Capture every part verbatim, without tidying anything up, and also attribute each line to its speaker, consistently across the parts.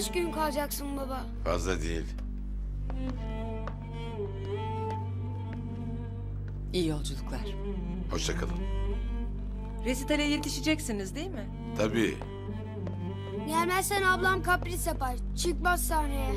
Speaker 1: kaç gün kalacaksın baba?
Speaker 2: Fazla değil.
Speaker 3: İyi yolculuklar.
Speaker 2: Hoşça kalın.
Speaker 3: Resitale yetişeceksiniz değil mi?
Speaker 2: Tabii.
Speaker 1: Gelmezsen ablam kapris yapar. Çıkmaz sahneye.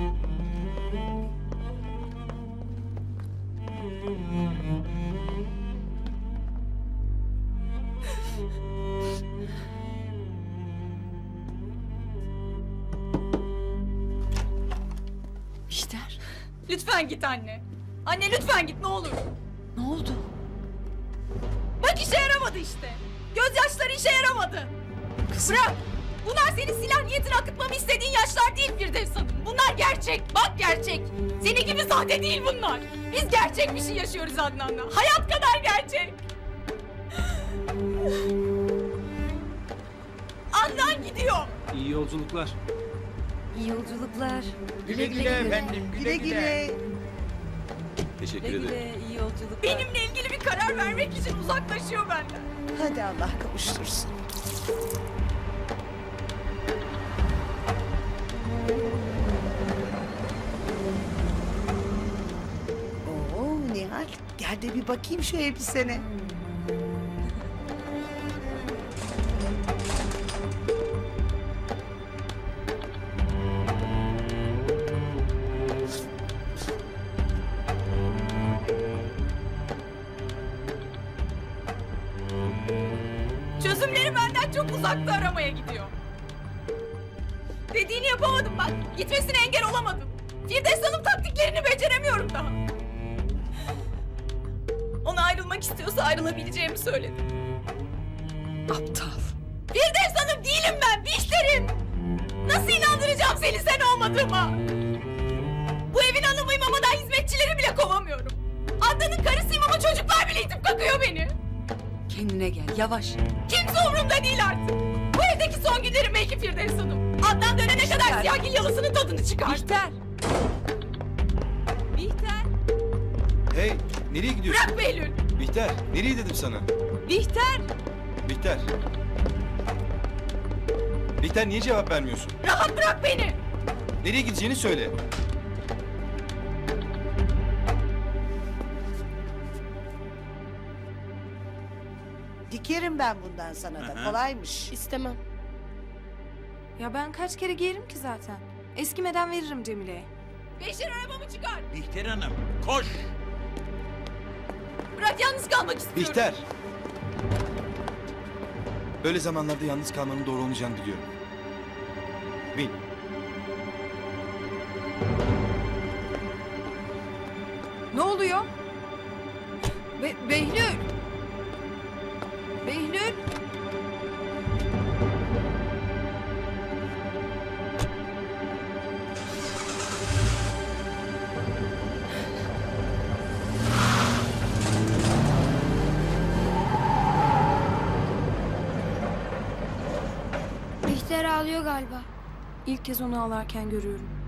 Speaker 3: Bihter.
Speaker 4: Lütfen git anne. Anne lütfen git ne olur.
Speaker 3: Ne oldu?
Speaker 4: Bak işe yaramadı işte. Gözyaşları işe yaramadı.
Speaker 3: Kızım.
Speaker 4: Bırak. Bunlar senin silah niyetini akıtmamı istediğin yaşlar değil Firdevs Hanım. Bunlar gerçek. Bak gerçek. Senin gibi sahte değil bunlar. Biz gerçek bir şey yaşıyoruz Adnan'la. Hayat kadar gerçek. Adnan gidiyor.
Speaker 5: İyi yolculuklar.
Speaker 3: İyi yolculuklar.
Speaker 6: Güle güle efendim, güle güle.
Speaker 5: Teşekkür
Speaker 3: Güle
Speaker 5: ederim.
Speaker 3: güle, iyi yolculuklar.
Speaker 4: Benimle ilgili bir karar vermek için uzaklaşıyor benden.
Speaker 6: Hadi Allah kavuştursun. Oo Nihal, gel de bir bakayım şu elbisene.
Speaker 4: Çözümleri benden çok uzakta aramaya gidiyor. Dediğini yapamadım bak. Gitmesine engel olamadım. Firdevs Hanım taktiklerini beceremiyorum daha. Ona ayrılmak istiyorsa ayrılabileceğimi söyledi.
Speaker 3: Aptal.
Speaker 4: Firdevs Hanım değilim ben, Bihter'im. Nasıl inandıracağım seni sen olmadığıma? Bu evin hanımıyım ama daha hizmetçileri bile kovamıyorum. Adnan'ın karısıyım ama çocuklar bile itip kakıyor beni.
Speaker 3: Kendine gel, yavaş.
Speaker 4: Kimse umurumda değil artık. Bu evdeki son günlerim belki Firdevs Hanım. Adnan dönene kadar
Speaker 3: Bihter.
Speaker 4: siyahgil yalısının tadını çıkar.
Speaker 3: Bihter. Bihter.
Speaker 5: Hey, nereye gidiyorsun?
Speaker 4: Bırak Behlül.
Speaker 5: Bihter, nereye dedim sana?
Speaker 3: Bihter.
Speaker 5: Bihter. Bihter niye cevap vermiyorsun?
Speaker 4: Rahat bırak beni.
Speaker 5: Nereye gideceğini söyle.
Speaker 6: Dikerim ben bundan sana da, kolaymış.
Speaker 7: İstemem. Ya ben kaç kere giyerim ki zaten. Eskimeden veririm Cemile'ye.
Speaker 4: Beşir arabamı çıkar.
Speaker 8: Bihter Hanım, koş!
Speaker 4: Bırak yalnız kalmak istiyorum.
Speaker 5: Bihter. Böyle zamanlarda yalnız kalmanın doğru olmayacağını biliyorum. Bin.
Speaker 7: Ne oluyor? Be Behlül! Behlül!
Speaker 1: Bihter ağlıyor galiba.
Speaker 7: İlk kez onu ağlarken görüyorum.